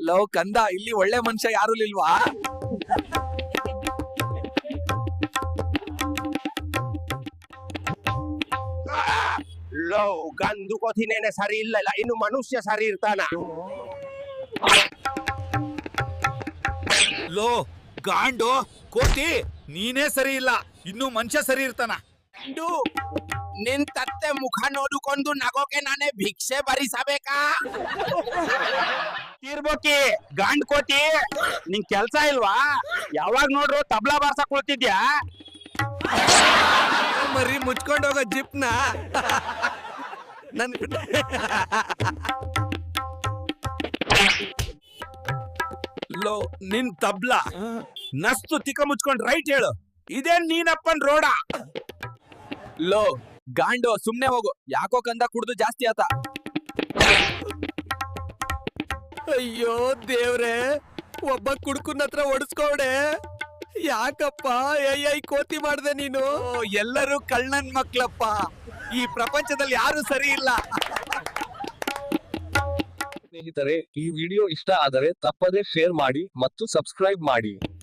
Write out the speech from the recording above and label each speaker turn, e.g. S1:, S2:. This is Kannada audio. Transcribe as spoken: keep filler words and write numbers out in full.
S1: ಲವ್ ಕಂದ, ಇಲ್ಲಿ ಒಳ್ಳೆ ಮನುಷ್ಯ ಯಾರು ಇಲ್ವಾ?
S2: ಲೋ ಗಂದು ಕೋತಿನೇನೆ ಸರಿ ಇಲ್ಲ, ಇನ್ನು ಮನುಷ್ಯ ಸರಿ ಇರ್ತಾನ?
S3: ಲೋ ಗಾಂಡು ಕೋತಿ, ನೀನೇ ಸರಿ ಇಲ್ಲ, ಇನ್ನು ಮನುಷ್ಯ ಸರಿ ಇರ್ತಾನ?
S2: ನಿನ್ ತತ್ತೆ ಮುಖ ನೋಡಿಕೊಂಡು ನಗೋಕೆ ನಾನೇ ಭಿಕ್ಷೆ ಭರಿಸಬೇಕಾ?
S4: ತೀರ್ಬೋಕಿ ಗಾಂಡ್ ಕೋತಿ, ನಿಂಗ್ ಕೆಲ್ಸ ಇಲ್ವಾ? ಯಾವಾಗ ನೋಡ್ರು ತಬ್ಲಾ ಬಾರ್ಸಕ್ ಕೊಳ್ತಿದ್ಯಾ?
S1: ಮರಿ ಮುಚ್ಕೊಂಡು ಹೋಗೋ ಜಿಪ್ನ ನನ್
S3: ಲೋ ನಿನ್ ತಬ್ಲಾ ನಸ್ತು ತಿಕ್ಕ ಮುಚ್ಕೊಂಡ್ ರೈಟ್ ಹೇಳು, ಇದೇನ್ ನೀನಪ್ಪನ್ ರೋಡ?
S1: ಲೋ ಗಾಂಡು, ಸುಮ್ನೆ ಹೋಗು. ಯಾಕೋ ಕಂದ ಕುಡ್ದು ಜಾಸ್ತಿ ಆತ. ಅಯ್ಯೋ ದೇವ್ರೆ, ಒಬ್ಬ ಕುಡ್ಕುನ್ ಹತ್ರ ಒಡಿಸ್ಕೋಡೆ. ಯಾಕಪ್ಪ ಐ ಕೋತಿ ಮಾಡ್ದೆ ನೀನು? ಎಲ್ಲರೂ ಕಳ್ಳನ್ ಮಕ್ಳಪ್ಪ, ಈ ಪ್ರಪಂಚದಲ್ಲಿ ಯಾರು ಸರಿ ಇಲ್ಲ.
S5: ಸ್ನೇಹಿತರೆ, ಈ ವಿಡಿಯೋ ಇಷ್ಟ ಆದರೆ ತಪ್ಪದೇ ಶೇರ್ ಮಾಡಿ ಮತ್ತು ಸಬ್ಸ್ಕ್ರೈಬ್ ಮಾಡಿ.